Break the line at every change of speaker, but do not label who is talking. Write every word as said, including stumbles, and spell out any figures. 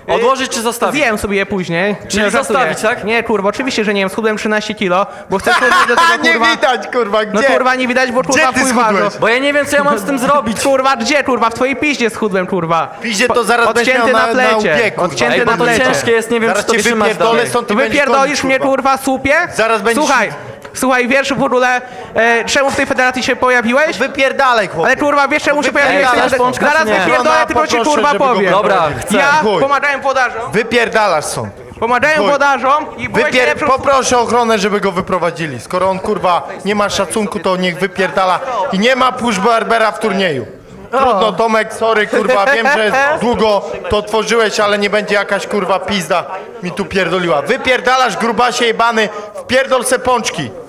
Odłożyć czy zostawić?
Zjem sobie je później.
Czyli
Nie, żartuję.
zostawić, tak?
Nie, kurwa, oczywiście, że nie wiem, schudłem trzynaście kilo, bo chcę schudnąć do tego,
nie
kurwa...
widać, kurwa, gdzie?
No kurwa, nie widać, bo kurwa
ty
chuj
schudłeś?
ważą.
Bo ja nie wiem, co ja mam z tym zrobić.
Kurwa, gdzie, kurwa? W twojej piździe schudłem, kurwa.
Piździe to zaraz będziesz
Odcięty
miał
na
na-
plecie.
na łbie, kurwa.
Odcięty
Ej,
na
bo to
plecie.
ciężkie jest, nie wiem,
Zaraz
czy to
cię
wytrzymać
wypierdolę
dalej.
stąd i
To
będziesz
wypierdolisz
koniec,
mnie,
kurwa.
kurwa, słupie?
Zaraz będziesz-
Słuchaj, słuchaj, wiesz w ogóle, e, czemu w tej federacji się pojawiłeś?
Wypierdalaj, chłopie.
Ale kurwa, wiesz czemu się pojawiłeś? w tej
Wypierdalasz,
federacji?
pączka,
Zaraz
czy nie?
wypierdolę,
Żona,
tylko ci
poproszę,
kurwa
żeby go
powiem.
Dobra, chcę.
Ja
Chuj.
pomagałem włodarzom,
Wypierdalasz stąd.
pomagałem
Chuj.
włodarzom i byłeś
Wypier...
najlepszą...
Poproszę ochronę, żeby go wyprowadzili. Skoro on, kurwa, nie ma szacunku, to niech wypierdala. I nie ma push Barbera w turnieju. Trudno, Tomek, sorry, kurwa, wiem, że długo to tworzyłeś, ale nie będzie jakaś, kurwa, pizda mi tu pierdoliła. Wypierdalasz, grubasie jebany, wpierdol se pączki.